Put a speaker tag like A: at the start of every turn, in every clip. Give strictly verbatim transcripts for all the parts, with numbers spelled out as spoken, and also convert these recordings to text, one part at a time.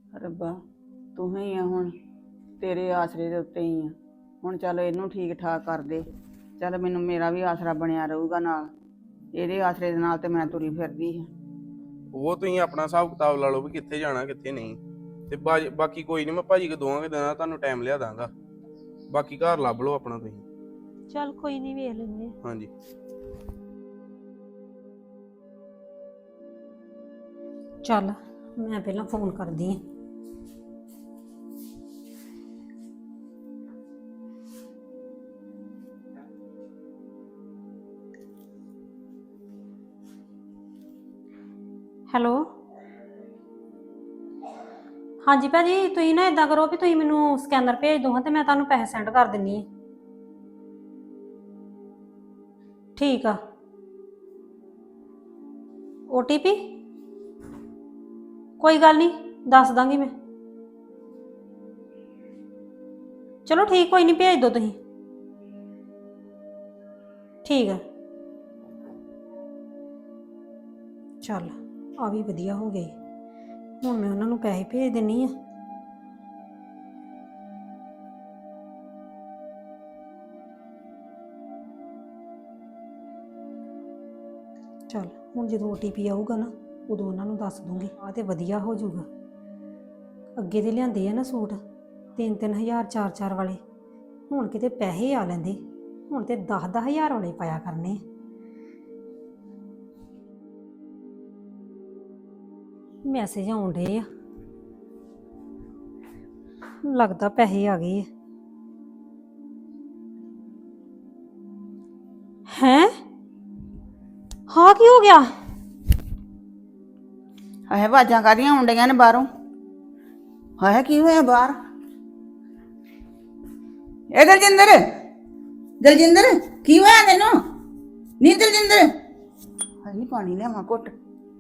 A: ਰੱਬਾ ਤੂੰ ਹੀ ਆ ਹੁਣ, ਤੇਰੇ ਆਸਰੇ ਦੇ ਉੱਤੇ ਹੀ ਆ। ਹੁਣ ਚੱਲ ਇਹਨੂੰ ਠੀਕ ਠਾਕ ਕਰ ਦੇ। ਚੱਲ ਮੈਨੂੰ ਮੇਰਾ ਵੀ ਆਸਰਾ ਬਣਿਆ ਰਹੂਗਾ ਨਾਲ। ਇਹਦੇ ਆਸਰੇ ਦੇ ਨਾਲ ਤੇ ਮੈਂ ਤੁਰੀ ਫਿਰਦੀ ਹਾਂ।
B: ਉਹ ਤੁਸੀਂ ਆਪਣਾ ਹਿਸਾਬ ਕਿਤਾਬ ਲਾ ਲਓ ਵੀ ਕਿੱਥੇ ਜਾਣਾ ਕਿੱਥੇ ਨਹੀਂ। ਤੇ ਬਾਜ- ਬਾਕੀ ਕੋਈ ਨਹੀਂ, ਮੈਂ ਭਾਜੀ ਕੋ ਦੋਵਾਂ ਕੇ ਦਿਨਾਂ ਤੁਹਾਨੂੰ ਟਾਈਮ ਲਿਆ ਦਾਂਗਾ। ਬਾਕੀ ਘਰ ਲੱਭ ਲਓ ਆਪਣਾ ਤੁਸੀਂ।
C: ਚੱਲ ਕੋਈ ਨਹੀਂ, ਵੇਖ ਲੈਂਦੇ ਆ।
B: ਹਾਂਜੀ
D: ਚੱਲ ਮੈਂ ਪਹਿਲਾਂ ਫੋਨ ਕਰਦੀ ਹਾਂ। ਹੈਲੋ, ਹਾਂਜੀ ਭਾਜੀ, ਤੁਸੀਂ ਨਾ ਇਦਾਂ ਕਰੋ ਵੀ ਤੁਸੀਂ ਮੈਨੂੰ ਸਕੈਨਰ ਭੇਜ ਦਿਓ ਹਾਂ ਤੇ ਮੈਂ ਤੁਹਾਨੂੰ ਪੈਸੇ ਸੈਂਡ ਕਰ ਦਿੰਨੀ ਹਾਂ। ਠੀਕ ਆ। ਓ ਟੀ ਪੀ ਕੋਈ ਗੱਲ ਨਹੀਂ, ਦੱਸ ਦਾਂਗੀ ਮੈਂ। ਚਲੋ ਠੀਕ, ਕੋਈ ਨਹੀਂ, ਭੇਜ ਦਿਓ ਤੁਸੀਂ। ਠੀਕ ਆ। ਚੱਲ ਆ ਵੀ ਵਧੀਆ ਹੋ ਗਈ। ਹੁਣ ਮੈਂ ਉਹਨਾਂ ਨੂੰ ਪੈਸੇ ਭੇਜ ਦਿੰਨੀ ਆ। ਚੱਲ ਹੁਣ ਜਦੋਂ ਓ ਟੀ ਪੀ ਆਊਗਾ ਨਾ ਉਦੋਂ ਉਹਨਾਂ ਨੂੰ ਦੱਸ ਦੂੰਗੀ। ਆ ਤੇ ਵਧੀਆ ਹੋ ਜਾਊਗਾ। ਅੱਗੇ ਦੇ ਲਿਆਂਦੇ ਆ ਨਾ ਸੂਟ ਤਿੰਨ ਤਿੰਨ ਹਜ਼ਾਰ ਚਾਰ ਚਾਰ ਵਾਲੇ, ਹੁਣ ਕਿਤੇ ਪੈਸੇ ਆ ਲੈਂਦੇ। ਹੁਣ ਤੇ ਦਸ ਦਸ ਹਜ਼ਾਰ ਵਾਲੇ ਪਾਇਆ ਕਰਨੇ। ਮੈਸੇਜ ਆਉਣ ਡੇ ਆ, ਲੱਗਦਾ ਪੈਸੇ ਆ ਗਏ ਆ। ਹੈਂ, ਹਾਂ ਕੀ ਹੋ ਗਿਆ?
A: ਹਾਏ ਆਵਾਜ਼ਾਂ ਕਾਹਦੀਆਂ ਆਉਣ ਡਈਆਂ ਨੇ ਬਾਹਰੋਂ? ਹਾਏ ਕੀ ਹੋਇਆ ਬਾਹਰ? ਇਹ ਦਲਜਿੰਦਰ, ਦਲਜਿੰਦਰ ਕੀ ਹੋਇਆ ਤੈਨੂੰ? ਨੀ ਦਲਜਿੰਦਰ, ਹਾਏ ਪਾਣੀ ਲਿਆਵਾਂ ਘੁੱਟ।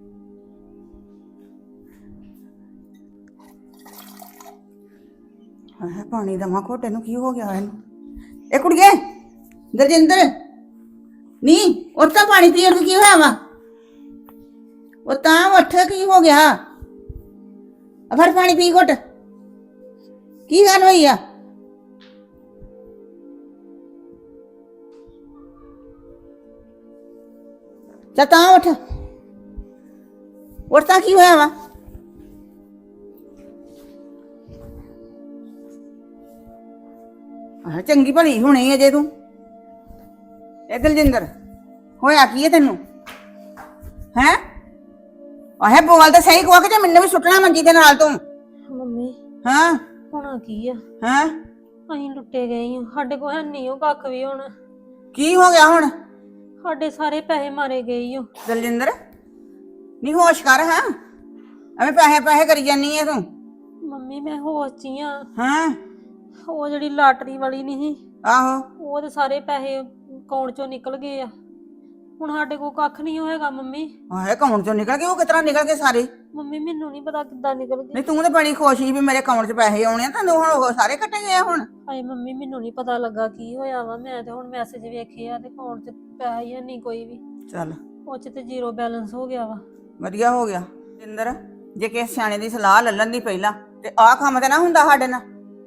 A: ਹਾਏ ਪਾਣੀ ਦੇਵਾਂ ਘੁੱਟ, ਇਹਨੂੰ ਕੀ ਹੋ ਗਿਆ ਇਹਨੂੰ? ਇਹ ਕੁੜੀਏ ਦਲਜਿੰਦਰ, ਨੀ ਉੱਠ ਤਾਂ ਪਾਣੀ ਪੀਣ ਨੂੰ ਕੀ ਹੋਇਆ ਵਾ? ਉਹ ਤਾਂ ਉੱਠ, ਕੀ ਹੋ ਗਿਆ? ਆ ਫੜ ਪਾਣੀ ਪੀ ਘੁੱਟ। ਕੀ ਗੱਲ ਹੋਈ ਆ? ਚੱਲ ਤਾਂ ਉੱਠ, ਉੱਠ ਤਾਂ ਕੀ ਹੋਇਆ ਵਾ? ਆਹ ਚੰਗੀ ਭਲੀ ਹੋਣੀ ਅਜੇ ਤੂੰ। ਇਹ ਦਲਜਿੰਦਰ ਹੋਇਆ ਕੀ ਹੈ ਤੈਨੂੰ? ਹੈਂ ਆਹੇ ਬੋਲ ਤਾਂ ਸਹੀ ਕੋ ਕਿ ਜੇ ਮੈਨੂੰ ਵੀ ਸੁੱਟਣਾ ਮੰਜੀ ਦੇ ਨਾਲ ਤੂੰ।
C: ਮੰਮੀ
A: ਹਾਂ
C: ਹੋਣਾ ਕੀ ਆ?
A: ਹਾਂ
C: ਅਸੀਂ ਲੁੱਟੇ ਗਏ ਆ, ਸਾਡੇ ਕੋਲ ਹੈ ਨਹੀਂ ਉਹ ਕੱਖ ਵੀ। ਹੁਣ
A: ਕੀ ਹੋ ਗਿਆ ਹੁਣ?
C: ਸਾਡੇ ਸਾਰੇ ਪੈਸੇ ਮਾਰੇ ਗਏ ਓ।
A: ਦਲਜਿੰਦਰ ਨੀ ਹੋਸ਼ ਕਰ। ਹਾਂ ਐਵੇਂ ਪੈਸੇ ਪੈਸੇ ਕਰੀ ਜਾਨੀ ਹੈ ਤੂੰ।
C: ਮੰਮੀ ਮੈਂ ਹੋਸ਼ 'ਚ ਹੀ ਆ।
A: ਹਾਂ
C: ਉਹ ਜਿਹੜੀ ਲਾਟਰੀ ਵਾਲੀ ਨਹੀਂ ਸੀ,
A: ਆਹੋ
C: ਉਹ ਤੇ ਸਾਰੇ ਪੈਸੇ ਅਕਾਊਂਟ 'ਚੋਂ ਨਿਕਲ ਗਏ ਆ। ਹੁਣ ਸਾਡੇ ਕੋਲ ਕੱਖ ਨਹੀਂ ਹੋਏਗਾ ਮੰਮੀ।
A: ਆਹੇ ਅਕਾਊਂਟ ਚੋਂ ਨਿਕਲ ਗਏ? ਉਹ ਕਿਤਰਾ ਨਿਕਲ ਗਏ ਸਾਰੇ?
C: ਮੰਮੀ ਮੈਨੂੰ ਨਹੀਂ ਪਤਾ ਕਿੱਦਾਂ ਨਿਕਲ ਗਏ।
A: ਨਹੀਂ ਤੂੰ ਤਾਂ ਬੜੀ ਖੁਸ਼ ਸੀ ਵੀ ਮੇਰੇ ਅਕਾਊਂਟ 'ਚ ਪੈਸੇ ਆਉਣੇ ਆ, ਤੈਨੂੰ ਹੁਣ ਉਹ ਸਾਰੇ ਕੱਟੇ ਗਏ ਆ ਹੁਣ?
C: ਹਾਏ ਮੰਮੀ ਮੈਨੂੰ ਨਹੀਂ ਪਤਾ ਲੱਗਾ ਕੀ ਹੋਇਆ ਵਾ। ਮੈਂ ਤੇ ਹੁਣ ਮੈਸੇਜ ਵੇਖੇ ਆ ਤੇ ਅਕਾਊਂਟ 'ਚ ਪੈਸਾ ਹੀ ਨਹੀਂ ਕੋਈ ਵੀ।
A: ਚੱਲ
C: ਉਹ 'ਚ ਤੇ ਜ਼ੀਰੋ ਬੈਲੈਂਸ ਹੋ ਗਿਆ ਵਾ।
A: ਵਧੀਆ ਹੋ ਗਿਆ। ਜਿੰਦਰ ਜੇ ਕਿਸੇ ਸਿਆਣੇ ਦੀ ਸਲਾਹ ਲੱਲਣ ਦੀ ਪਹਿਲਾਂ ਤੇ ਆਹ ਕੰਮ ਤੇ ਨਾ ਹੁੰਦਾ ਸਾਡੇ ਨਾਲ।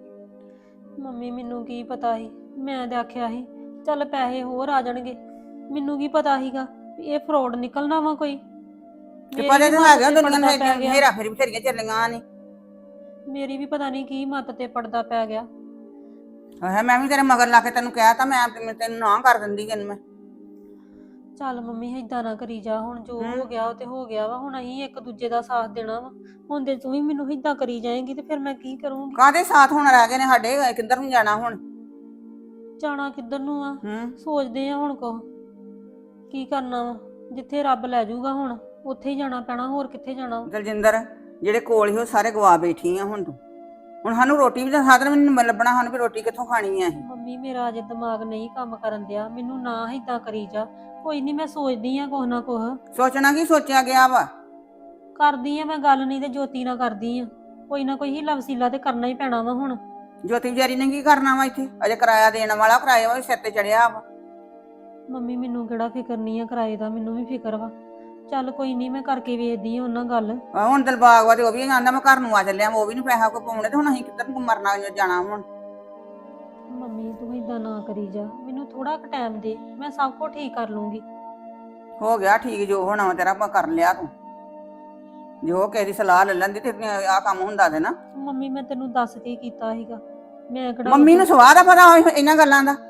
C: ਮੰਮੀ ਮੈਨੂੰ ਕੀ ਪਤਾ ਸੀ? ਮੈਂ ਤੇ ਆਖਿਆ ਸੀ ਚੱਲ ਪੈਸੇ ਹੋਰ ਆ ਜਾਣਗੇ। ਮੈਨੂੰ ਕੀ ਪਤਾ ਸੀਗਾ ਵੀ ਇਹ ਫਰੋਡ ਨਿਕਲਣਾ ਵਾ ਕੋਈ।
A: ਤੇ ਪਤਾ ਤਾਂ ਹੈਗਾ ਦੁਨੀਆ ਨੂੰ
C: ਪੈ ਗਿਆ।
A: ਹੇਰਾ ਫੇਰੀ ਬਥੇਰੀਆਂ ਚੱਲੀਆਂ ਨੇ।
C: ਮੇਰੀ ਵੀ ਪਤਾ ਨਹੀਂ ਕੀ ਮੱਤ ਤੇ ਪੜਦਾ ਪੈ ਗਿਆ।
A: ਆਹ ਮੈਂ ਵੀ ਤੇਰੇ ਮਗਰ ਲਾ ਕੇ ਤੈਨੂੰ ਕਿਹਾ ਤਾਂ ਮੈਂ ਤੈਨੂੰ ਨਾ ਕਰ ਦਿੰਦੀ ਕਿ ਮੈਂ।
C: ਚੱਲ ਮੰਮੀ ਏਦਾਂ ਨਾ ਕਰੀ ਜਾ। ਹੁਣ ਜੋ ਹੋ ਗਿਆ ਉਹ ਤੇ ਹੋ ਗਿਆ ਵਾ। ਹੁਣ ਅਸੀਂ ਇੱਕ ਦੂਜੇ ਦਾ ਸਾਥ ਦੇਣਾ ਵਾ। ਹੁਣ ਜੇ ਤੂੰ ਵੀ ਮੈਨੂੰ ਏਦਾਂ ਕਰੀ ਜਾਏਂਗੀ ਤੇ ਫਿਰ ਮੈਂ ਕੀ ਕਰੂੰਗੀ?
A: ਕਾਹਦੇ ਸਾਥ ਹੁਣ ਰਹਿ ਗਏ ਨੇ ਸਾਡੇ? ਕਿੱਧਰ ਨੂੰ ਜਾਣਾ ਹੁਣ?
C: ਜਾਣਾ ਕਿੱਧਰ ਨੂੰ ਆ?
A: ਹੂੰ
C: ਸੋਚਦੇ ਆ ਹੁਣ ਕੋ ਕੀ ਕਰਨਾ ਵਾ। ਜਿੱਥੇ ਰੱਬ ਲੈ ਜਾਊਗਾ ਹੁਣ ਉੱਥੇ ਹੀ ਜਾਣਾ ਪੈਣਾ, ਹੋਰ ਕਿੱਥੇ ਜਾਣਾ?
A: ਦਲਜਿੰਦਰ ਜਿਹੜੇ ਕੋਲ ਹੀ ਉਹ ਸਾਰੇ ਗਵਾ ਬੈਠੀ ਆ ਹੁਣ ਤੂੰ। ਹੁਣ ਸਾਨੂੰ ਰੋਟੀ ਵੀ ਤਾਂ ਸਾਧਨ ਵੀ ਨਹੀਂ ਲੱਭਣਾ, ਸਾਨੂੰ ਵੀ ਰੋਟੀ ਕਿੱਥੋਂ ਖਾਣੀ ਆ ਅਸੀਂ?
C: ਮੰਮੀ ਮੇਰਾ ਅਜੇ ਦਿਮਾਗ ਨਹੀਂ ਕੰਮ ਕਰਨ ਦਿਆ। ਮੈਨੂੰ ਨਾ ਏਦਾਂ ਕਰੀ ਜਾ। ਕੋਈ ਨਹੀਂ ਮੈਂ ਸੋਚਦੀ ਆ ਕੁਛ ਨਾ ਕੁਛ।
A: ਸੋਚਣਾ ਕੀ ਸੋਚਿਆ ਗਿਆ ਵਾ?
C: ਕਰਦੀ ਆ ਮੈਂ ਗੱਲ, ਨਹੀਂ ਤੇ ਜੋਤੀ ਨਾਲ ਕਰਦੀ ਆ। ਕੋਈ ਨਾ ਕੋਈ ਹੀਲਾ ਵਸੀਲਾ ਤੇ ਕਰਨਾ ਹੀ ਪੈਣਾ ਵਾ ਹੁਣ।
A: ਜੋਤੀ ਵਿਚਾਰੀ ਨੇ ਕੀ ਕਰਨਾ ਵਾ ਇੱਥੇ? ਅਜੇ ਕਿਰਾਇਆ ਦੇਣ ਵਾਲਾ ਕਿਰਾਏ ਵਾ ਸਿਰ ਤੇ ਚੜਿਆ ਵਾ।
C: ਮੰਮੀ ਮੈਨੂੰ ਕਿਹੜਾ ਫਿਕਰ ਨਹੀਂ ਆ ਕਿਰਾਏ ਦਾ, ਮੈਨੂੰ ਵੀ ਫਿਕਰ ਵਾ। ਚੱਲ ਕੋਈ ਨਹੀਂ ਮੈਂ ਕਰਕੇ ਵੇਖਦੀ ਆ ਉਹਨਾਂ ਗੱਲ।
A: ਆਹ ਹੁਣ ਦਿਲਬਾਗ ਵਾ ਤੇ ਉਹ ਵੀ ਆਂਦਾ ਮੈਂ ਘਰ ਨੂੰ ਆ ਚੱਲਿਆ, ਉਹ ਵੀ ਨੀ ਪੈਸਾ ਕੋਈ ਪਾਉਣੇ ਤੇ ਹੁਣ ਅਸੀਂ ਕਿੱਧਰ ਨੂੰ ਮਰਨਾ ਜਾਣਾ ਹੁਣ।
C: ਮੰਮੀ ਤੂੰ ਇਦਾਂ ਨਾ ਕਰੀ ਜਾ, ਮੈਨੂੰ ਥੋੜਾ ਕੁ ਟਾਈਮ ਦੇ, ਮੈਂ ਸਭ ਕੁਝ ਠੀਕ ਕਰ ਲੂੰਗੀ।
A: ਹੋ ਗਿਆ ਠੀਕ, ਜੋ ਹੋਣਾ ਵਾ ਤੇਰਾ ਮੈਂ ਕਰ ਲਿਆ ਤੂੰ, ਜੋ ਕਿਸੇ ਦੀ ਸਲਾਹ ਲੈ ਲੈਂਦੀ ਤੇ ਆਹ ਕੰਮ ਹੁੰਦਾ ਤੇ ਨਾ।
C: ਮੰਮੀ ਮੈਂ ਤੈਨੂੰ ਦੱਸ ਕੇ ਕੀਤਾ ਸੀਗਾ, ਮੈਂ ਕਿਹੜਾ
A: ਮੰਮੀ ਨੂੰ ਸਵਾਹ ਦਾ ਪਤਾ ਹੋਏ ਇਹਨਾਂ ਗੱਲਾਂ ਦਾ।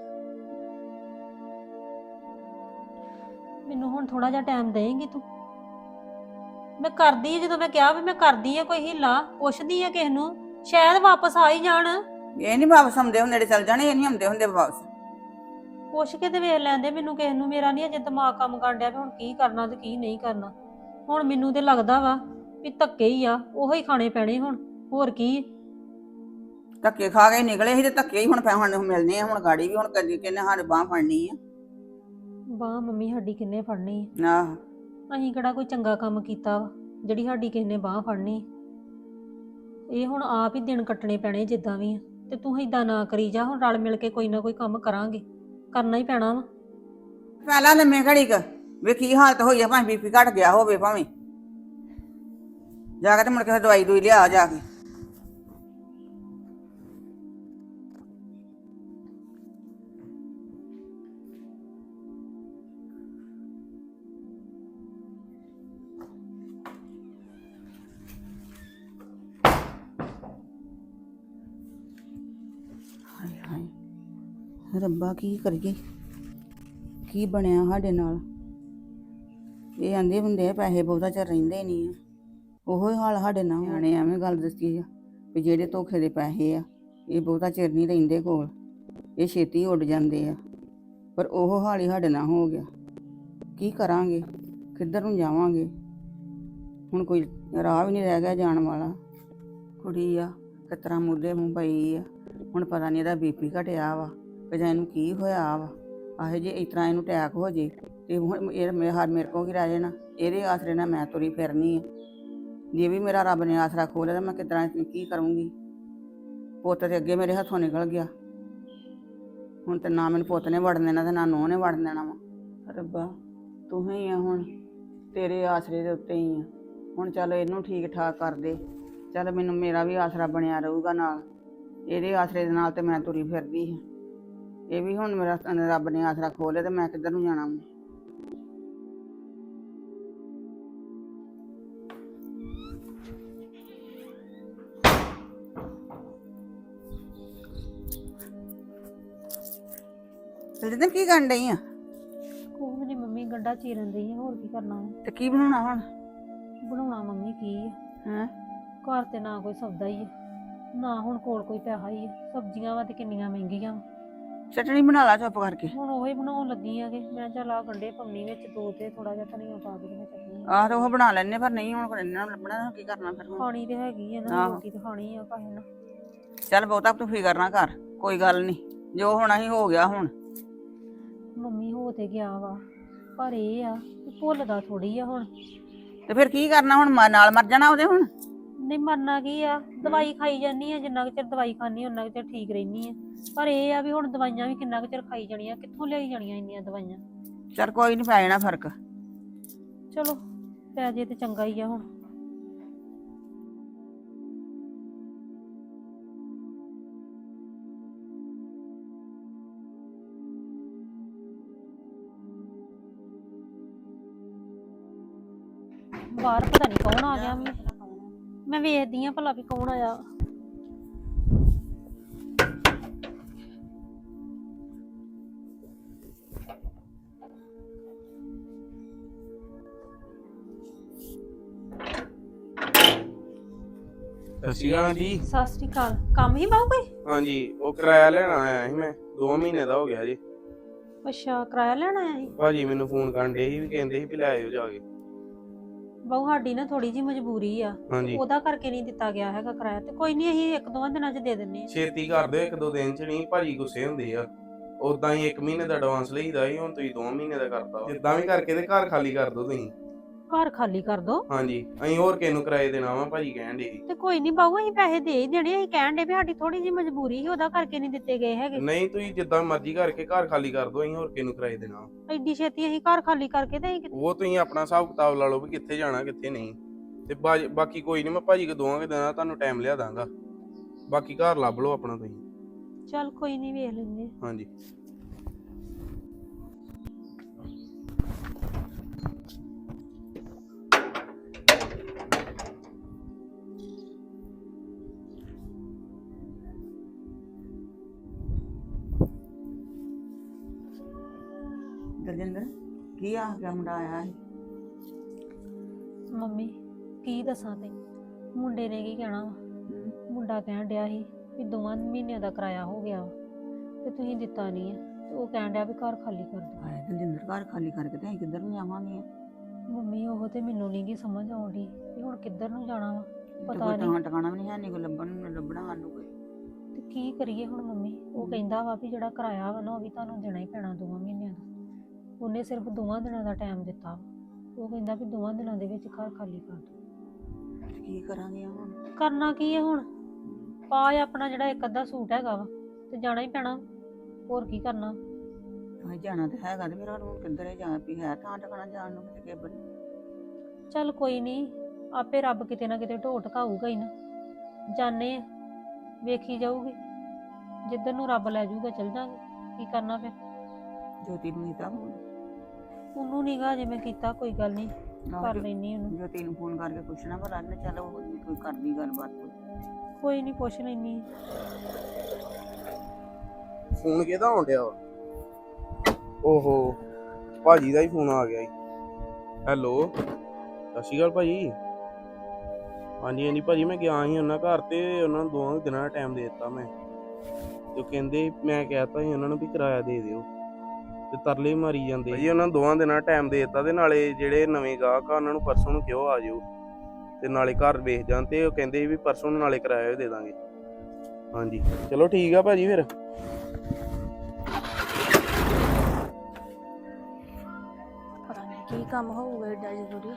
C: ਮੈਨੂੰ ਹੁਣ ਥੋੜਾ ਜਿਹਾ ਟਾਈਮ ਦੇਂਗੀ ਤੂੰ? ਮੈਂ ਕਰਦੀ ਆ, ਜਦੋਂ ਮੈਂ ਕਿਹਾ ਵੀ ਮੈਂ ਕਰਦੀ ਆ, ਕੋਈ ਹਿੱਲਾ ਪੁੱਛਦੀ ਆ ਕਿਸੇ ਨੂੰ, ਸ਼ਾਇਦ ਵਾਪਸ ਆ ਹੀ ਜਾਣ।
A: ਇਹ ਨਹੀਂ ਵਾਪਸ ਆਉਂਦੇ ਹੁੰਦੇ, ਚੱਲ ਜਾਣੇ, ਇਹ ਨਹੀਂ ਆਉਂਦੇ ਹੁੰਦੇ ਵਾਪਸ।
C: ਪੁੱਛ ਕੇ ਤੇ ਵੇਖ ਲੈਂਦੇ ਮੈਨੂੰ ਕਿਸੇ ਨੂੰ, ਮੇਰਾ ਨਹੀਂ ਅਜੇ ਦਿਮਾਗ ਕੰਮ ਕਰਨ ਡਿਆ ਵੀ ਹੁਣ ਕੀ ਕਰਨਾ ਤੇ ਕੀ ਨਹੀਂ ਕਰਨਾ। ਹੁਣ ਮੈਨੂੰ ਤੇ ਲੱਗਦਾ ਵਾ ਵੀ ਧੱਕੇ ਹੀ ਆ, ਉਹੋ ਹੀ ਖਾਣੇ ਪੈਣੇ ਹੁਣ, ਹੋਰ ਕੀ।
A: ਧੱਕੇ ਖਾ ਕੇ ਨਿਕਲੇ ਸੀ ਤੇ ਧੱਕੇ ਹੀ ਹੁਣ ਪੈ ਹੁਣ ਮਿਲਨੇ ਆ, ਹੁਣ ਗਾੜੀ ਵੀ ਹੁਣ ਕਦੀ ਕਿੰਨੇ ਸਾਡੇ ਬਾਂਹ ਫੜਨੀ ਆ।
C: ਬਾਹ ਮੰਮੀ ਸਾਡੀ ਕਿੰਨੇ ਫੜਨੀ ਆ?
A: ਆਹ
C: ਅਸੀਂ ਕਿਹੜਾ ਕੋਈ ਚੰਗਾ ਕੰਮ ਕੀਤਾ ਵਾ ਜਿਹੜੀ ਸਾਡੀ ਕਿਸੇ ਨੇ ਬਾਹ ਫੜਨੀ? ਇਹ ਹੁਣ ਆਪ ਹੀ ਦਿਨ ਕੱਟਣੇ ਪੈਣੇ ਜਿੱਦਾਂ ਵੀ ਆ। ਤੇ ਤੂੰ ਏਦਾਂ ਨਾ ਕਰੀ ਜਾ, ਹੁਣ ਰਲ ਮਿਲ ਕੇ ਕੋਈ ਨਾ ਕੋਈ ਕੰਮ ਕਰਾਂਗੇ, ਕਰਨਾ ਹੀ ਪੈਣਾ ਵਾ।
A: ਪਹਿਲਾਂ ਲੰਮੇ ਘੜੀ ਕ ਵੇ ਕੀ ਹਾਲਤ ਹੋਈ ਆ, ਭਾਵੇਂ ਬੀਪੀ ਘਟ ਗਿਆ ਹੋਵੇ, ਭਾਵੇਂ ਜਾ ਕੇ ਤੇ ਮੁੜ ਕੇ ਦਵਾਈ ਦੂਈ ਲਿਆ ਜਾ ਕੇ। ਹਾਏ ਹਾਏ ਰੱਬਾ, ਕੀ ਕਰੀਏ, ਕੀ ਬਣਿਆ ਸਾਡੇ ਨਾਲ। ਇਹ ਆਂਦੇ ਹੁੰਦੇ ਆ ਪੈਸੇ ਬਹੁਤਾ ਚਿਰ ਰਹਿੰਦੇ ਨਹੀਂ ਆ, ਉਹੋ ਹੀ ਹਾਲ ਸਾਡੇ ਨਾਲ। ਨਿਆਣੇ ਐਵੇਂ ਗੱਲ ਦੱਸੀ ਆ ਵੀ ਜਿਹੜੇ ਧੋਖੇ ਦੇ ਪੈਸੇ ਆ ਇਹ ਬਹੁਤਾ ਚਿਰ ਨਹੀਂ ਰਹਿੰਦੇ ਕੋਲ, ਇਹ ਛੇਤੀ ਉੱਡ ਜਾਂਦੇ ਆ। ਪਰ ਉਹ ਹਾਲ ਹੀ ਸਾਡੇ ਨਾਲ ਹੋ ਗਿਆ। ਕੀ ਕਰਾਂਗੇ, ਕਿੱਧਰ ਨੂੰ ਜਾਵਾਂਗੇ? ਹੁਣ ਕੋਈ ਰਾਹ ਵੀ ਨਹੀਂ ਰਹਿ ਗਿਆ ਜਾਣ ਵਾਲਾ। ਕੁੜੀ ਆ ਕਿਸ ਤਰ੍ਹਾਂ ਮੁੱਦੇ ਮੂੰਹ ਪਈ ਆ, ਹੁਣ ਪਤਾ ਨਹੀਂ ਇਹਦਾ ਬੀਪੀ ਘਟਿਆ ਵਾ ਕਿ ਜਾਂ ਇਹਨੂੰ ਕੀ ਹੋਇਆ ਵਾ। ਆਹੇ ਜੇ ਇਸ ਤਰ੍ਹਾਂ ਇਹਨੂੰ ਅਟੈਕ ਹੋ ਜੇ ਤੇ ਹੁਣ ਇਹ ਮੇਰੇ ਹਰ ਮੇਰੇ ਕੋਲ ਕੀ ਰਹਿ ਜਾਣਾ? ਇਹਦੇ ਆਸਰੇ ਨਾਲ ਮੈਂ ਤੁਰੀ ਫਿਰਨੀ ਆ। ਜੇ ਵੀ ਮੇਰਾ ਰੱਬ ਨੇ ਆਸਰਾ ਖੋਲਿਆ ਤਾਂ ਮੈਂ ਕਿਸ ਤਰ੍ਹਾਂ ਕੀ ਕਰੂੰਗੀ? ਪੁੱਤ ਤੇ ਅੱਗੇ ਮੇਰੇ ਹੱਥੋਂ ਨਿਕਲ ਗਿਆ, ਹੁਣ ਤੇ ਨਾ ਮੈਨੂੰ ਪੁੱਤ ਨੇ ਵੜਨ ਦੇਣਾ ਤੇ ਨਾ ਨੂੰਹ ਨੇ ਵੜਨ ਦੇਣਾ ਵਾ। ਰੱਬਾ ਤੂੰ ਹੀ ਆ, ਹੁਣ ਤੇਰੇ ਆਸਰੇ ਦੇ ਉੱਤੇ ਹੀ ਆ। ਹੁਣ ਚੱਲ ਇਹਨੂੰ ਠੀਕ ਠਾਕ ਕਰ ਦੇ, ਚੱਲ ਮੈਨੂੰ ਮੇਰਾ ਵੀ ਆਸਰਾ ਬਣਿਆ ਰਹੂਗਾ ਨਾਲ। ਇਹਦੇ ਆਸਰੇ ਦੇ ਨਾਲ ਤੇ ਮੈਂ ਤੁਰੀ ਫਿਰਦੀ ਹਾਂ। ਇਹ ਵੀ ਹੁਣ ਮੇਰਾ ਰੱਬ ਨੇ ਆਸਰਾ ਖੋਲਿਆ ਤੇ ਮੈਂ ਕਿੱਧਰ ਨੂੰ ਜਾਣਾ? ਤੇ ਕੀ ਕਰਨ ਡਈ ਆ?
C: ਕੋਈ ਨਹੀਂ ਮੰਮੀ, ਗੰਢਾ ਚੀਰਨ ਦਈ ਆ, ਹੋਰ ਕੀ ਕਰਨਾ ਵਾ?
A: ਤੇ ਕੀ ਬਣਾਉਣਾ ਹੁਣ?
C: ਬਣਾਉਣਾ ਮੰਮੀ ਕੀ ਆ,
A: ਹੈਂ?
C: ਘਰ ਤੇ ਨਾ ਕੋਈ ਸੌਦਾ ਹੀ ਆ, ਨਾ ਹੁਣ ਕੋਲ ਕੋਈ ਪੈਸਾ ਹੀ ਆ। ਸਬਜ਼ੀਆਂ ਵਾ ਤੇ ਕਿੰਨੀਆਂ ਮਹਿੰਗੀਆਂ ਵਾ।
A: ਚਟਣੀ ਬਣਾ ਲਾ ਚੁੱਪ ਕਰਕੇ।
C: ਹੁਣ ਉਹੀ ਬਣਾਉਣ ਲੱਗੀ ਆ ਕਿ ਮੈਂ ਚੱਲ ਆ ਗੰਢੇ ਪਾਉਣੀ ਵਿੱਚ ਦੋ, ਤੇ ਥੋੜਾ ਜਿਹਾ ਧਨੀਆ ਪਾ ਕੇ ਤੇ ਮੈਂ ਚਟਣੀ
A: ਆਹ ਤੇ ਉਹ ਬਣਾ ਲੈਣੇ, ਪਰ ਨਹੀਂ ਹੁਣ ਇਹਨਾਂ ਨੂੰ ਲੱਭਣਾ, ਕੀ ਕਰਨਾ ਫਿਰ ਹੁਣ?
C: ਖਾਣੀ ਤੇ ਹੈਗੀ ਆ ਨਾ,
A: ਆਹੋ।
C: ਰੋਟੀ ਤੇ ਖਾਣੀ ਆ ਕਾਹੇ ਨਾ।
A: ਚੱਲ ਬਹੁਤਾ ਤੂੰ ਫਿਕਰ ਨਾ ਕਰ, ਕੋਈ ਗੱਲ ਨਹੀਂ, ਜੋ ਹੋਣਾ ਹੀ ਹੋ ਗਿਆ ਹੁਣ।
C: ਮੰਮੀ ਹੋ ਤੇ ਗਿਆ ਵਾ, ਪਰ ਇਹ ਆ ਕਿ ਭੁੱਲਦਾ ਥੋੜੀ ਆ ਹੁਣ।
A: ਤੇ ਫਿਰ ਕੀ ਕਰਨਾ ਹੁਣ? ਮ- ਨਾਲ ਮਰ ਜਾਣਾ ਉਹਦੇ ਹੁਣ?
C: ਨਹੀਂ ਮਰਨਾ ਕੀ ਆ, ਦਵਾਈ ਖਾਈ ਜਾਨੀ ਆ, ਜਿੰਨਾ ਕੁ ਚਿਰ ਦਵਾਈ ਖਾਣੀ ਉਹਨਾਂ ਕੁ ਚਿਰ ਠੀਕ ਰਹਿਨੀ ਆ। ਪਰ ਇਹ ਆ ਵੀ ਹੁਣ ਦਵਾਈਆਂ ਵੀ ਕਿੰਨਾ ਕੁ ਚਿਰ ਖਾਈ ਜਾਣੀਆਂ, ਕਿੱਥੋਂ ਲਿਆਈ ਜਾਣੀਆਂ ਇੰਨੀਆਂ ਦਵਾਈਆਂ?
A: ਚੱਲ ਕੋਈ ਨਹੀਂ, ਪੈ ਜਾਣਾ ਫਰਕ।
C: ਚਲੋ ਪੈ ਜੇ ਤੇ ਚੰਗਾ ਹੀ ਆ ਹੁਣ। ਬਾਹਰ ਪਤਾ ਨਹੀਂ ਕੌਣ ਆ ਗਿਆ, ਮੈਂ ਮੈਂ ਵੇਖਦੀ ਆ ਭਲਾ ਵੀ ਕੌਣ ਆਇਆ।
B: ਸਤਿ ਸ਼੍ਰੀ ਅਕਾਲ ਜੀ।
C: ਸਤਿ ਸ੍ਰੀ ਅਕਾਲ। ਕੰਮ ਹੀ ਬਾਹੂ ਕੋਈ?
B: ਹਾਂਜੀ, ਉਹ ਕਿਰਾਇਆ ਲੈਣ ਆਇਆ ਸੀ ਮੈਂ, ਦੋ ਮਹੀਨੇ ਦਾ ਹੋ ਗਿਆ ਜੀ।
C: ਅੱਛਾ, ਕਿਰਾਇਆ ਲੈਣ ਆਇਆ ਸੀ?
B: ਭਾਜੀ ਮੈਨੂੰ ਫੋਨ ਕਰਨ ਡੇ ਸੀ ਵੀ ਕਹਿੰਦੇ ਸੀ ਵੀ ਲੈ ਆਇਓ ਜਾ ਕੇ।
C: ਬਾਹੂ ਸਾਡੀ ਨਾ ਥੋੜੀ ਜੀ ਮਜਬੂਰੀ ਆ,
B: ਹਾਂਜੀ,
C: ਉਹਦਾ ਕਰਕੇ ਨਹੀਂ ਦਿੱਤਾ ਗਿਆ ਹੈਗਾ ਕਿਰਾਇਆ। ਤੇ ਕੋਈ ਨਹੀਂ, ਅਸੀਂ ਇੱਕ ਦੋ ਦਿਨਾਂ ਚ ਦੇ ਦਿੰਨੇ ਆ।
B: ਛੇਤੀ ਕਰ ਦਿਓ, ਇੱਕ ਦੋ ਦਿਨ ਚ ਨਹੀਂ, ਭਾਜੀ ਗੁੱਸੇ ਹੁੰਦੇ ਆ। ਉਦਾਂ ਹੀ ਇੱਕ ਮਹੀਨੇ ਦਾ ਐਡਵਾਂਸ ਲਈਦਾ ਸੀ, ਹੁਣ ਤੁਸੀਂ ਦੋ ਮਹੀਨੇ ਦਾ ਕਰਤਾ ਵਾ। ਜਿੱਦਾਂ ਵੀ ਕਰਕੇ ਤੇ ਘਰ ਖਾਲੀ ਕਰ ਦਿਓ ਤੁਸੀਂ।
C: ਘਰ ਖਾਲੀ ਕਰ ਦੋ।
B: ਹਾਂਜੀ ਅਸੀਂ ਹੋਰ ਕਿਸੇ ਨੂੰ ਕਿਰਾਏ ਦੇਣਾ ਵਾ ਭਾਜੀ ਕਹਿਣ ਦੇ।
C: ਤੇ ਕੋਈ ਨਹੀਂ ਬਾਬੂ ਅਸੀਂ ਪੈਸੇ ਦੇ ਹੀ ਦੇਣੇ। ਅਸੀਂ ਕਹਿਣ ਦੇ ਵੀ ਸਾਡੀ ਥੋੜੀ ਜਿਹੀ ਮਜਬੂਰੀ ਸੀ, ਉਹਦਾ ਕਰਕੇ ਨਹੀਂ ਦਿੱਤੇ ਗਏ ਹੈਗੇ।
B: ਨਹੀਂ ਤੁਸੀਂ ਜਿੱਦਾਂ ਮਰਜ਼ੀ ਕਰਕੇ ਘਰ ਖਾਲੀ ਕਰ ਦੋ, ਅਸੀਂ ਹੋਰ ਕਿਸੇ ਨੂੰ ਕਿਰਾਏ ਦੇਣਾ ਵਾ।
C: ਐਡੀ ਛੇਤੀ ਅਸੀਂ ਘਰ ਖਾਲੀ ਕਰਕੇ ਤੇ ਅਸੀਂ
B: ਉਹ ਤੁਸੀਂ ਆਪਣਾ ਹਿਸਾਬ ਕਿਤਾਬ ਲਾ ਲਓ ਵੀ ਕਿੱਥੇ ਜਾਣਾ ਕਿੱਥੇ ਨਹੀਂ। ਤੇ ਬਾਜ- ਬਾਕੀ ਕੋਈ ਨਹੀਂ, ਮੈਂ ਭਾਜੀ ਕੋ ਦੋਵਾਂ ਕੇ ਦਿਨਾਂ ਤੁਹਾਨੂੰ ਟਾਈਮ ਲਿਆ ਦਾਂਗਾ। ਬਾਕੀ ਘਰ ਲੱਭ ਲਓ ਆਪਣਾ ਤੁਸੀਂ।
C: ਚੱਲ ਕੋਈ ਨਹੀਂ ਵੇਖ ਲੈਂਦੇ।
B: ਹਾਂਜੀ
A: ਦਲਜਿੰਦਰ ਕੀ ਆ ਗਿਆ ਮੁੰਡਾ ਆਇਆ ਸੀ?
C: ਮੰਮੀ ਕੀ ਦੱਸਾਂ ਤੇ ਮੁੰਡੇ ਨੇ ਕੀ ਕਹਿਣਾ ਵਾ।
A: ਹਮ,
C: ਮੁੰਡਾ ਕਹਿਣ ਡਿਆ ਸੀ ਵੀ ਦੋਵਾਂ ਮਹੀਨਿਆਂ ਦਾ ਕਿਰਾਇਆ ਹੋ ਗਿਆ ਵਾ ਤੇ ਤੁਸੀਂ ਦਿੱਤਾ ਨਹੀਂ ਹੈ। ਤੇ ਉਹ ਕਹਿਣ ਡਿਆ ਵੀ ਘਰ ਖਾਲੀ ਕਰ ਦਿਓ।
A: ਹਾਏ ਦਲਜਿੰਦਰ ਘਰ ਖਾਲੀ ਕਰਕੇ ਤੇ ਅਸੀਂ ਕਿੱਧਰ ਨੂੰ ਜਾਵਾਂਗੇ?
C: ਮੰਮੀ ਉਹ ਤੇ ਮੈਨੂੰ ਨਹੀਂ ਗੀ ਸਮਝ ਆਉਂਦੀ ਵੀ ਹੁਣ ਕਿੱਧਰ ਨੂੰ ਜਾਣਾ ਵਾ।
A: ਤੇ
C: ਪਤਾ
A: ਕੋਈ
C: ਨਹੀਂ
A: ਟਾਂ ਟਿਕਾਣਾ ਵੀ ਨਹੀਂ ਹੈ, ਨਹੀਂ ਕੋਈ ਲੱਭਣ ਨੂੰ ਲੱਭਣਾ ਸਾਨੂੰ ਕੋਈ।
C: ਤੇ ਕੀ ਕਰੀਏ ਹੁਣ ਮੰਮੀ। ਉਹ ਕਹਿੰਦਾ ਵਾ ਵੀ ਜਿਹੜਾ ਕਿਰਾਇਆ ਵਾ ਨਾ ਉਹ ਵੀ ਤੁਹਾਨੂੰ ਦੇਣਾ ਹੀ ਪੈਣਾ ਦੋਵਾਂ ਮਹੀਨਿਆਂ ਦਾ। ਉਹਨੇ ਸਿਰਫ ਦੋਵਾਂ ਦਿਨਾਂ ਦਾ ਟਾਈਮ ਦਿੱਤਾ ਵਾ। ਉਹ ਕਹਿੰਦਾ ਵੀ ਦੋਵਾਂ ਦਿਨਾਂ ਦੇ ਵਿੱਚ ਘਰ ਖਾਲੀ ਕਰ ਦਿਓ।
A: ਤੇ ਕੀ ਕਰਾਂਗੇ ਹੁਣ?
C: ਕਰਨਾ ਕੀ ਹੈ ਹੁਣ? ਪਾ ਆਪਣਾ ਜਿਹੜਾ ਇੱਕ ਅੱਧਾ ਸੂਟ ਹੈਗਾ ਵਾ ਤੇ ਜਾਣਾ ਹੀ ਪੈਣਾ। ਹੋਰ ਕੀ ਕਰਨਾ?
A: ਹਾਂ ਜਾਣਾ ਤਾਂ ਹੈਗਾ ਤੇ ਮੇਰਾ ਹੁਣ ਕਿੱਧਰ ਹੈ ਜਾ ਵੀ ਹੈ ਥਾਂ ਟਿਕਾਣਾ ਜਾਣ ਨੂੰ ਕਿਤੇ ਕੇਬਲ।
C: ਚੱਲ ਕੋਈ ਨਹੀਂ, ਆਪੇ ਰੱਬ ਕਿਤੇ ਨਾ ਕਿਤੇ ਢੋਹ ਟਕਾਊਗਾ ਹੀ ਨਾ। ਜਾਣੇ ਆ, ਵੇਖੀ ਜਾਊਗੀ। ਜਿੱਧਰ ਨੂੰ ਰੱਬ ਲੈ ਜਾਊਗਾ ਚੱਲ ਜਾਾਂਗੇ। ਕੀ ਕਰਨਾ ਫਿਰ?
A: ਜੋਤੀ ਨੂੰ ਕੀਤਾ ਫੋਨ?
C: ਉਹਨੂੰ ਨੀਗਾ ਜੇ ਮੈਂ ਕੀਤਾ। ਕੋਈ ਗੱਲ ਨਹੀਂ, ਕਰ ਲੈਣੀ ਉਹਨੂੰ।
A: ਜੋਤੀ ਨੂੰ ਫੋਨ ਕਰਕੇ ਪੁੱਛਣਾ ਭਲਾ ਨੇ ਚੱਲ ਉਹ ਕੋਈ ਕਰਦੀ ਗੱਲਬਾਤ ਕੋਈ।
C: ਕੋਈ ਨਹੀਂ ਪੁੱਛ ਲੈਣੀ।
B: ਫੋਨ ਕਿਹਦਾ ਆਉਣ ਡਿਆ ਵਾ? ਓਹੋ ਭਾਜੀ ਦਾ ਹੀ ਫੋਨ ਆ ਗਿਆ ਜੀ। ਹੈਲੋ ਸਤਿ ਸ਼੍ਰੀ ਅਕਾਲ ਭਾਜੀ। ਹਾਂਜੀ ਹਾਂਜੀ ਭਾਜੀ ਮੈਂ ਗਿਆ ਸੀ ਉਹਨਾਂ ਘਰ ਤੇ ਉਹਨਾਂ ਨੂੰ ਦੋਵਾਂ ਦਿਨਾਂ ਦਾ ਟਾਈਮ ਦੇ ਦਿੱਤਾ ਮੈਂ। ਤੇ ਉਹ ਕਹਿੰਦੇ ਮੈਂ ਕਹਿਤਾ ਸੀ ਉਹਨਾਂ ਨੂੰ ਵੀ ਕਿਰਾਇਆ ਦੇ ਦਿਓ ਤੇ ਤਰਲੇ ਮਾਰੀ ਜਾਂਦੇ ਜੀ। ਉਹਨਾਂ ਨੂੰ ਦੋਵਾਂ ਦਿਨਾਂ ਦਾ ਟਾਈਮ ਦੇ ਦਿੱਤਾ ਤੇ ਨਾਲੇ ਜਿਹੜੇ ਨਵੇਂ ਗਾਹਕ ਆ ਉਹਨਾਂ ਨੂੰ ਪਰਸੋਂ ਨੂੰ ਕਿਉਂ ਆ ਜਾਓ ਤੇ ਨਾਲੇ ਘਰ ਵੇਖ ਜਾਣ। ਤੇ ਉਹ ਕਹਿੰਦੇ ਵੀ ਪਰਸੋਂ ਨੂੰ ਨਾਲੇ ਕਿਰਾਇਆ ਵੀ ਦੇ ਦਾਂਗੇ। ਹਾਂਜੀ ਚਲੋ ਠੀਕ ਆ ਭਾਜੀ ਫਿਰ।
E: ਪਤਾ ਨਹੀਂ ਕੀ ਕੰਮ ਹੋਊਗਾ ਏਡਾ ਜ਼ਰੂਰੀ।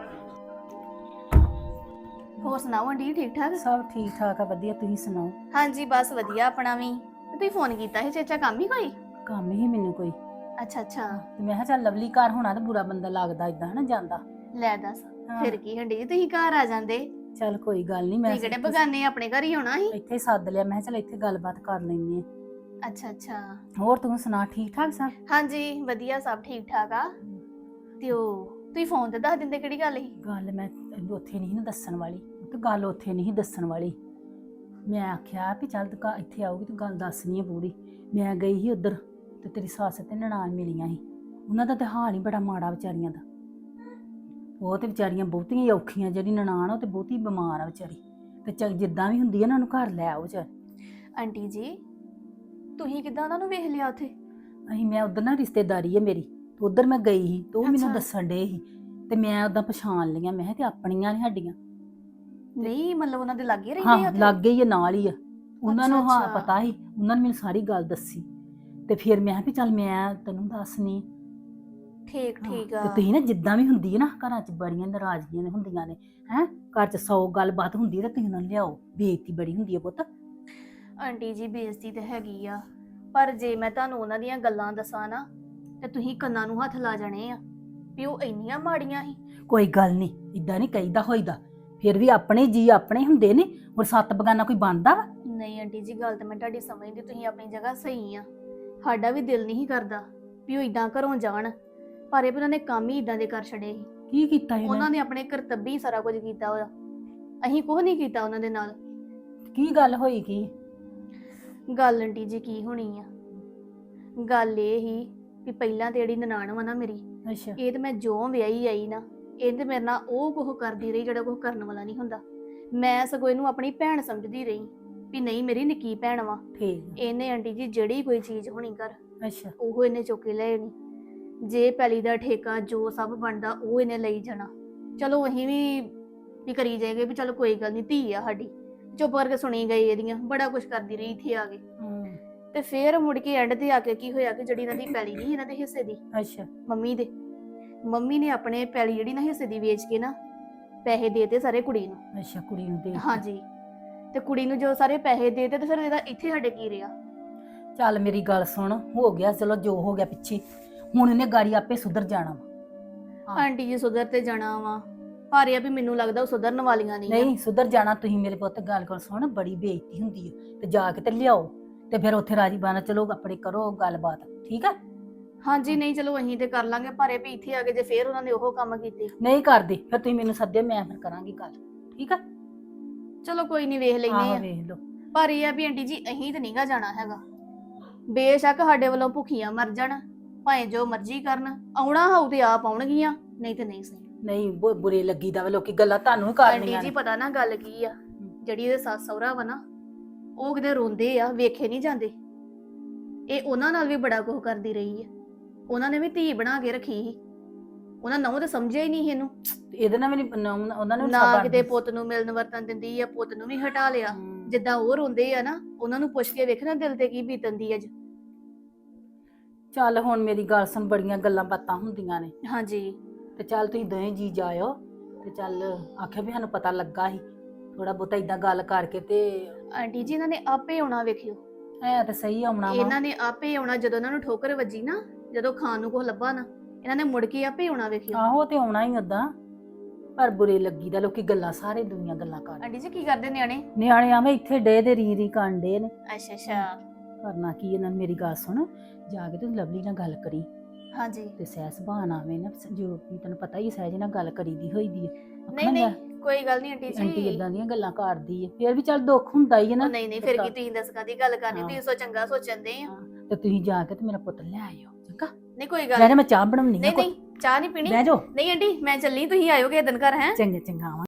E: ਹੋਰ ਸੁਣਾਓ ਆਂਟੀ, ਠੀਕ ਠਾਕ?
F: ਸਭ ਠੀਕ ਠਾਕ ਆ, ਵਧੀਆ। ਤੁਸੀਂ ਸੁਣਾਓ?
E: ਹਾਂਜੀ ਬਸ ਵਧੀਆ ਆਪਣਾ ਵੀ। ਤੇ ਤੁਸੀਂ ਫੋਨ ਕੀਤਾ ਸੀ ਚਾਚਾ, ਕੰਮ ਹੀ ਕੋਈ?
F: ਕੰਮ ਹੀ ਮੈਨੂੰ ਕੋਈ।
E: ਅੱਛਾ ਅੱਛਾ।
F: ਤੇ ਮੈਂ ਕਿਹਾ ਚੱਲ ਲਵਲੀ ਘਰ ਹੋਣਾ ਤਾਂ ਬੁਰਾ ਬੰਦਾ ਲੱਗਦਾ ਇਦਾਂ ਹਨਾ ਜਾਂਦਾ।
E: ਲੈ ਦੱਸ
F: ਹਾਂ।
E: ਫਿਰ ਕੀ ਆਂਟੀ ਜੀ, ਤੁਸੀਂ ਘਰ ਆ ਜਾਂਦੇ।
F: ਚੱਲ ਕੋਈ ਗੱਲ ਨਹੀਂ। ਮੈਂ
E: ਤੁਸੀਂ ਕਿਹੜੇ ਬਗਾਨੇ ਆਪਣੇ ਘਰ ਹੀ ਹੋਣਾ ਸੀ।
F: ਇੱਥੇ ਹੀ ਸੱਦ ਲਿਆ। ਮੈਂ ਕਿਹਾ ਚੱਲ ਇੱਥੇ ਗੱਲਬਾਤ ਕਰ ਲੈਂਦੇ ਆ।
E: ਅੱਛਾ ਅੱਛਾ।
F: ਹੋਰ ਤੂੰ ਸੁਣਾ, ਠੀਕ ਠਾਕ ਸਭ?
E: ਹਾਂਜੀ ਵਧੀਆ, ਸਭ ਠੀਕ ਠਾਕ ਆ। ਤੇ ਉਹ ਤੁਸੀਂ ਫੋਨ ਤੇ ਦੱਸ ਦਿੰਦੇ ਕਿਹੜੀ ਗੱਲ ਸੀ?
F: ਗੱਲ ਮੈਂ ਤੈਨੂੰ ਉੱਥੇ ਨਹੀਂ ਨਾ ਦੱਸਣ ਵਾਲੀ। ਤੇ ਗੱਲ ਉੱਥੇ ਨਹੀਂ ਦੱਸਣ ਵਾਲੀ। ਮੈਂ ਆਖਿਆ ਵੀ ਚੱਲ ਤੂੰ ਇੱਥੇ ਆਊਗੀ ਤੂੰ ਗੱਲ ਦੱਸਣੀ ਹੈ ਪੂਰੀ। ਮੈਂ ਗਈ ਸੀ ਉੱਧਰ ਤੇ ਤੇਰੀ ਸੱਸ ਤੇ ਨਨਾਣ ਮਿਲੀਆਂ ਸੀ। ਉਹਨਾਂ ਦਾ ਤੇ ਹਾਲ ਹੀ ਬੜਾ ਮਾੜਾ ਵਿਚਾਰੀਆਂ ਦਾ। ਉਹ ਤੇ ਵਿਚਾਰੀਆਂ ਬਹੁਤੀਆਂ ਹੀ ਔਖੀਆਂ। ਜਿਹੜੀ ਨਨਾਣ ਉਹ ਤੇ ਬਹੁਤੀ ਬਿਮਾਰ ਆ ਵਿਚਾਰੀ। ਤੇ ਚੱਲ ਜਿੱਦਾਂ ਵੀ ਹੁੰਦੀ ਆ ਉਹਨਾਂ ਨੂੰ ਘਰ ਲੈ ਆਓ ਚੱਲ।
E: ਆਂਟੀ ਜੀ ਤੁਸੀਂ ਕਿੱਦਾਂ ਉਹਨਾਂ ਨੂੰ ਵੇਖ ਲਿਆ ਉੱਥੇ?
F: ਅਸੀਂ ਮੈਂ ਉਧਰ ਨਾ ਰਿਸ਼ਤੇਦਾਰੀ ਹੈ ਮੇਰੀ, ਤੇ ਉਧਰ ਮੈਂ ਗਈ ਸੀ ਤੇ ਉਹ ਮੈਨੂੰ
E: ਅੱਛਾ।
F: ਦੱਸਣ ਡੇ ਸੀ ਤੇ ਮੈਂ ਉਦਾਂ ਪਛਾਣ ਲਈਆਂ। ਮੈਂ ਕਿਹਾ ਤੇ ਆਪਣੀਆਂ ਨੇ ਸਾਡੀਆਂ।
E: ਨਹੀਂ ਮਤਲਬ ਉਹਨਾਂ ਦੇ ਲਾਗੇ ਰਹਿੰਦੇ ਆ
F: ਹਾਂ
E: ਉੱਥੇ?
F: ਲੱਗ ਗਈ ਆ, ਨਾਲ ਹੀ ਆ। ਉਹਨਾਂ ਨੂੰ ਹਾਂ
E: ਅੱਛਾ।
F: ਪਤਾ ਸੀ। ਉਹਨਾਂ ਨੇ ਮੈਨੂੰ ਸਾਰੀ ਗੱਲ ਦੱਸੀ ਤੇ ਫਿਰ ਮੈਂ ਕਿਹਾ ਵੀ ਚੱਲ ਮੈਂ ਤੈਨੂੰ ਦੱਸਣੀ।
E: ਠੀਕ ਠੀਕ ਆ।
F: ਤੇ ਤੁਸੀਂ ਨਾ ਜਿੱਦਾਂ ਵੀ ਹੁੰਦੀ ਹੈ ਨਾ, ਘਰਾਂ 'ਚ ਬੜੀਆਂ ਨਾਰਾਜ਼ਗੀਆਂ ਨੇ ਹੁੰਦੀਆਂ ਨੇ ਹੈ। ਘਰ 'ਚ ਸੌ ਗੱਲਬਾਤ ਹੁੰਦੀ ਹੈ ਤੇ ਤੁਸੀਂ ਉਹਨਾਂ ਨੂੰ ਲਿਆਓ। ਬੇਇੱਜ਼ਤੀ ਬੜੀ ਹੁੰਦੀ ਹੈ ਪੁੱਤ।
E: ਆਂਟੀ ਜੀ ਬੇਇੱਜ਼ਤੀ ਤੇ ਹੈਗੀ ਆ, ਪਰ ਜੇ ਮੈਂ ਤੁਹਾਨੂੰ ਉਹਨਾਂ ਦੀਆਂ ਗੱਲਾਂ ਦੱਸਾਂ ਨਾ ਤੇ ਤੁਸੀਂ ਕੰਨਾਂ ਨੂੰ ਹੱਥ ਲਾ ਜਾਣੇ ਆ ਵੀ ਉਹ ਇੰਨੀਆਂ ਮਾੜੀਆਂ ਸੀ।
F: ਕੋਈ ਗੱਲ ਨਹੀਂ, ਇਦਾਂ ਨਹੀਂ ਕਹੀਦਾ ਹੋਈਦਾ। ਫਿਰ ਵੀ ਆਪਣੇ ਜੀ ਆਪਣੇ ਹੁੰਦੇ ਨੇ। ਹੋਰ ਸੱਤ ਬਗਾਨਾ ਕੋਈ ਬਣਦਾ ਵਾ?
E: ਨਹੀਂ ਆਂਟੀ ਜੀ ਗੱਲ ਤਾਂ ਮੈਂ ਤੁਹਾਡੀ ਸਮਝਦੀ, ਤੁਸੀਂ ਆਪਣੀ ਜਗ੍ਹਾ ਸਹੀ ਆ। ਸਾਡਾ ਵੀ ਦਿਲ ਨਹੀਂ ਕਰਦਾ ਵੀ ਉਹ ਇਦਾਂ ਘਰੋਂ ਜਾਣ, ਪਰ ਇਹ ਉਹਨਾਂ ਨੇ ਕੰਮ ਹੀ ਇਦਾਂ ਦੇ ਕਰ ਛੜੇ ਸੀ।
F: ਕੀ ਕੀਤਾ ਇਹਨਾਂ
E: ਉਹਨਾਂ ਨੇ ਆਪਣੇ ਕਰਤੱਬੀ ਸਾਰਾ ਕੁਝ ਕੀਤਾ ਉਹਦਾ। ਅਸੀਂ ਕੁਝ ਨਹੀਂ ਕੀਤਾ ਉਹਨਾਂ ਦੇ ਨਾਲ।
F: ਕੀ ਗੱਲ ਹੋਈ? ਕੀ
E: ਗੱਲ ਆਂਟੀ ਜੀ ਕੀ ਹੋਣੀ ਆ, ਗੱਲ ਇਹ ਹੀ ਵੀ ਪਹਿਲਾਂ ਤੇ ਜਿਹੜੀ ਨਨਾਣ ਵਾ ਨਾ ਮੇਰੀ,
F: ਅੱਛਾ
E: ਇਹ ਤੇ ਮੈਂ ਜੋ ਵਿਆਹੀ ਆਈ ਨਾ, ਇਹ ਤੇ ਮੇਰੇ ਨਾਲ ਉਹ ਕੁਝ ਕਰਦੀ ਰਹੀ ਜਿਹੜਾ ਕੁਝ ਕਰਨ ਵਾਲਾ ਨਹੀਂ ਹੁੰਦਾ। ਮੈਂ ਸਗੋਂ ਇਹਨੂੰ ਆਪਣੀ ਭੈਣ ਸਮਝਦੀ ਰਹੀ ਵੀ ਨਹੀਂ ਮੇਰੀ ਨਿੱਕੀ ਭੈਣ ਵਾ।
F: ਠੀਕ ਆ।
E: ਇਹਨੇ ਆਂਟੀ ਜੀ ਜਿਹੜੀ ਕੋਈ ਚੀਜ਼ ਹੋਣੀ ਘਰ
F: ਅੱਛਾ
E: ਉਹ ਇਹਨੇ ਚੁੱਕ ਕੇ ਲੈ ਆਣੀ। ਜੇ ਪੈਲੀ ਦਾ ਠੇਕਾ ਜੋ ਸਭ ਬਣਦਾ ਉਹ ਇਹਨੇ ਲਈ ਜਾਣਾ। ਚਲੋ ਅਸੀਂ ਵੀ ਵੀ ਕਰੀ ਜਾਏਗੇ ਵੀ ਚਲੋ ਕੋਈ ਗੱਲ ਨਹੀਂ, ਧੀ ਆ ਸਾਡੀ। ਚੁੱਪ ਕਰਕੇ ਸੁਣੀ ਗਈ ਇਹਦੀਆਂ, ਬੜਾ ਕੁਝ ਕਰਦੀ ਰਹੀ ਇੱਥੇ ਆ ਕੇ।
F: ਹਮ,
E: ਤੇ ਫੇਰ ਮੁੜ ਕੇ ਐਂਡ ਤੇ ਆ ਕੇ ਕੀ ਹੋਇਆ ਕਿ ਜਿਹੜੀ ਇਹਨਾਂ ਦੀ ਪੈਲੀ ਨਹੀਂ ਇਹਨਾਂ ਦੇ ਹਿੱਸੇ ਦੀ,
F: ਅੱਛਾ
E: ਮੰਮੀ ਦੇ, ਮੰਮੀ ਨੇ ਆਪਣੇ ਪੈਲੀ ਜਿਹੜੀ ਨਾ ਹਿੱਸੇ ਦੀ ਵੇਚ ਕੇ ਨਾ ਪੈਸੇ ਦੇਤੇ ਸਾਰੇ ਕੁੜੀ ਨੂੰ।
F: ਅੱਛਾ ਕੁੜੀ ਨੂੰ ਦੇ ਦਿੱਤੀ।
E: ਹਾਂਜੀ, ਤੇ ਕੁੜੀ ਨੂੰ ਜੋ ਸਾਰੇ ਪੈਸੇ ਦੇਤੇ ਤੇ ਫਿਰ ਇਹਦਾ ਇੱਥੇ ਸਾਡੇ ਕੀ ਰਿਹਾ।
F: ਚੱਲ ਮੇਰੀ ਗੱਲ ਸੁਣ, ਹੋ ਗਿਆ ਚਲੋ ਜੋ ਹੋ ਗਿਆ ਪਿੱਛੇ, ਹੁਣ ਇਹਨੇ ਗਾੜੀ ਆਪੇ ਸੁਧਰ ਜਾਣਾ ਵਾ। ਹਾਂ।
E: ਆਂਟੀ ਜੀ ਸੁਧਰ ਤੇ ਜਾਣਾ ਵਾ, ਪਰ ਇਹ ਆ ਵੀ ਮੈਨੂੰ ਲੱਗਦਾ ਉਹ ਸੁਧਰਨ ਵਾਲੀਆਂ ਨਹੀਂ ਆ।
F: ਨਹੀਂ ਸੁਧਰ ਜਾਣਾ। ਤੁਸੀਂ ਮੇਰੇ ਪੁੱਤ ਗੱਲ ਕਰ ਸੁਣ, ਬੜੀ ਬੇਇੱਜ਼ਤੀ ਹੁੰਦੀ ਹੈ ਤੇ ਜਾ ਕੇ ਤੇ ਲਿਆਓ ਤੇ ਫਿਰ ਉੱਥੇ ਰਾਜੀ ਬਾਣਾ ਚਲੋ ਆਪਣੇ ਕਰੋ ਗੱਲਬਾਤ, ਠੀਕ ਆ।
E: ਹਾਂਜੀ ਨਹੀਂ ਚਲੋ ਅਸੀਂ ਤੇ ਕਰ ਲਾਂਗੇ, ਪਰ ਇਹ ਵੀ ਇੱਥੇ ਆ ਕੇ ਜੇ ਫੇਰ ਉਹਨਾਂ ਨੇ ਉਹ ਕੰਮ ਕੀਤੇ।
F: ਨਹੀਂ ਕਰਦੇ ਫਿਰ ਤੁਸੀਂ ਮੈਨੂੰ ਸੱਦਿਓ, ਮੈਂ ਫਿਰ ਕਰਾਂਗੀ ਗੱਲ, ਠੀਕ ਆ।
E: ਚਲੋ ਕੋਈ ਨਹੀਂ ਵੇਖ ਲੈਨੇ
F: ਆਹੋ
E: ਆ,
F: ਵੇਖ ਲਓ।
E: ਪਰ ਇਹ ਆ ਵੀ ਆਂਟੀ ਜੀ ਅਸੀਂ ਤੇ ਨਹੀਂਗਾ ਜਾਣਾ ਹੈਗਾ। ਬੇਸ਼ੱਕ ਸਾਡੇ ਵੱਲੋਂ ਭੁੱਖੀਆਂ ਮਰ ਜਾਣ, ਭਾਵੇਂ ਜੋ ਮਰਜ਼ੀ ਕਰਨ, ਆਉਣਾ ਹੋਊ ਤੇ ਆਪ ਆਉਣਗੀਆਂ, ਨਹੀਂ ਤੇ ਨਹੀਂ ਸਹੀ।
F: ਨਹੀਂ ਬੁ- ਬੁਰੇ ਲੱਗੀ ਦਾ ਵਾ, ਲੋਕੀ ਗੱਲਾਂ ਤੁਹਾਨੂੰ ਹੀ
E: ਆਂਟੀ
F: ਕਰਨੀਆਂ
E: ਜੀ
F: ਨੇ।
E: ਪਤਾ ਨਾ ਗੱਲ ਕੀ ਆ, ਜਿਹੜੀ ਇਹਦੇ ਸੱਸ ਸਹੁਰਾ ਵਾ ਨਾ, ਉਹ ਕਿਤੇ ਰੋਂਦੇ ਆ, ਵੇਖੇ ਨਹੀਂ ਜਾਂਦੇ। ਇਹ ਉਹਨਾਂ ਨਾਲ ਵੀ ਬੜਾ ਕੁਝ ਕਰਦੀ ਰਹੀ ਆ। ਉਹਨਾਂ ਨੇ ਵੀ ਧੀ ਬਣਾ ਕੇ ਰੱਖੀ ਸੀ, ਉਹਨਾਂ ਨਹੁੰ ਤੇ ਸਮਝਿਆ ਹੀ ਨਹੀਂ ਇਹਨੂੰ।
F: ਇਹਦੇ ਨਾਲ ਵੀ ਨਹੀਂ ਉਹਨਾਂ ਨੂੰ
E: ਨਾ
F: ਸਾਬਣ-
E: ਕਿਤੇ ਪੁੱਤ ਨੂੰ ਮਿਲਣ ਵਰਤਨ ਦਿੰਦੀ ਆ, ਪੁੱਤ ਨੂੰ ਵੀ ਹਟਾ ਲਿਆ।
F: ਹਮ।
E: ਜਿੱਦਾਂ ਉਹ ਰੋਂਦੇ ਆ ਨਾ, ਉਹਨਾਂ ਨੂੰ ਪੁੱਛ ਕੇ ਵੇਖਣਾ ਦਿਲ ਤੇ ਕੀ ਬੀਤਦੀ ਅੱਜ।
F: ਚੱਲ ਹੁਣ ਮੇਰੀ ਗੱਲ ਸੁਣ, ਬੜੀਆਂ ਗੱਲਾਂ ਬਾਤਾਂ ਹੁੰਦੀਆਂ ਨੇ
E: ਹਾਂਜੀ
F: ਤੇ ਚੱਲ ਤੁਸੀਂ ਦੋਵੇਂ ਜੀ ਜਾਇਓ ਤੇ ਚੱਲ ਆਖਿਆ ਵੀ ਸਾਨੂੰ ਪਤਾ ਲੱਗਾ ਸੀ ਥੋੜਾ ਬਹੁਤਾ ਇਦਾਂ ਗੱਲ ਕਰਕੇ ਤੇ
E: ਆਂਟੀ ਜੀ ਇਹਨਾਂ ਨੇ ਆਪੇ ਆਉਣਾ, ਵੇਖਿਓ
F: ਐ ਤੇ ਸਹੀ ਆਉਣਾ ਵਾ।
E: ਇਹਨਾਂ ਨੇ ਆਪੇ ਆਉਣਾ। ਜਦੋਂ ਇਹਨਾਂ ਨੂੰ ਠੋਕਰ ਵੱਜੀ ਨਾ, ਜਦੋਂ ਖਾਣ ਨੂੰ ਕੁਝ ਲੱਭਾ ਨਾ, ਇਹਨਾਂ ਨੇ ਮੁੜ ਕੇ ਆਪੇ ਆਉਣਾ, ਵੇਖਿਓ।
F: ਆਹੋ ਤੇ ਆਉਣਾ ਹੀ ਓਦਾਂ, ਪਰ ਬੁਰੇ ਲੱਗੀ ਦਾ, ਲੋਕੀ ਗੱਲਾਂ ਸਾਰੇ ਦੁਨੀਆ ਗੱਲਾਂ ਕਰ।
E: ਆਂਟੀ ਜੀ ਕੀ ਕਰਦੇ ਨਿਆਣੇ?
F: ਨਿਆਣੇ ਆਵੇਂ ਇੱਥੇ ਡੇ ਦੇ ਰੀ ਰੀ ਕਾਂਡੇ ਨੇ।
E: ਅੱਛਾ ਅੱਛਾ
F: ਕਰਨਾ ਕੀ ਇਹਨਾਂ ਨੇ, ਮੇਰੀ ਗੱਲ ਸੁਣ, ਜਾ ਕੇ ਤੂੰ ਲਵਲੀ ਨਾਲ ਗੱਲ ਕਰੀ
E: ਹਾਂਜੀ।
F: ਤੇ ਸਹਿ ਸੁਭਾਅ ਆਵੇ ਨਾ, ਜੋ ਵੀ ਤੈਨੂੰ ਪਤਾ ਹੀ ਸਹਿਜ ਨਾਲ ਗੱਲ ਕਰੀਦੀ ਹੋਈ ਦੀ ਹੈ।
E: ਨਹੀਂ ਨਹੀਂ ਕੋਈ ਗੱਲ ਨਹੀਂ ਆਂਟੀ
F: ਆਂਟੀ
E: ਜੀ।
F: ਇਦਾਂ ਦੀਆਂ ਗੱਲਾਂ ਕਰਦੀ ਹੈ, ਫਿਰ ਵੀ ਚੱਲ ਦੁੱਖ ਹੁੰਦਾ ਹੀ ਹੈ ਨਾ।
E: ਉਹ ਨਹੀਂ ਨਹੀਂ ਫਿਰ ਕੀ ਤੁਸੀਂ ਦੱਸ ਕਾਦੀ ਗੱਲ ਕਰਨੀ,
F: ਹਾਂ।
E: ਤੁਸੀਂ ਸੋ ਚੰਗਾ ਸੋਚਣਦੇ ਆ।
F: ਹਾਂ, ਤੇ ਤੁਸੀਂ ਜਾ ਕੇ ਤੇ ਮੇਰਾ ਪੁੱਤ ਲੈ ਆਇਓ, ਚੰਗਾ।
E: ਨਹੀਂ ਕੋਈ ਗੱਲ
F: ਲੈ ਜਾ, ਮੈਂ ਚਾਹ ਬਣਾਉਣੀ ਆ।
E: ਨਹੀਂ ਨਹੀਂ ਚਾਹ ਨਹੀਂ ਪੀਣੀ।
F: ਬਹਿ ਜਾਓ।
E: ਨਹੀਂ ਆਂਟੀ ਮੈਂ ਚੱਲੀ, ਤੁਸੀਂ ਆਇਓਗੇ ਦਿਨ ਘਰ ਹੈ।
F: ਚੰਗਾ ਚੰਗਾ ਆਵਾਂ।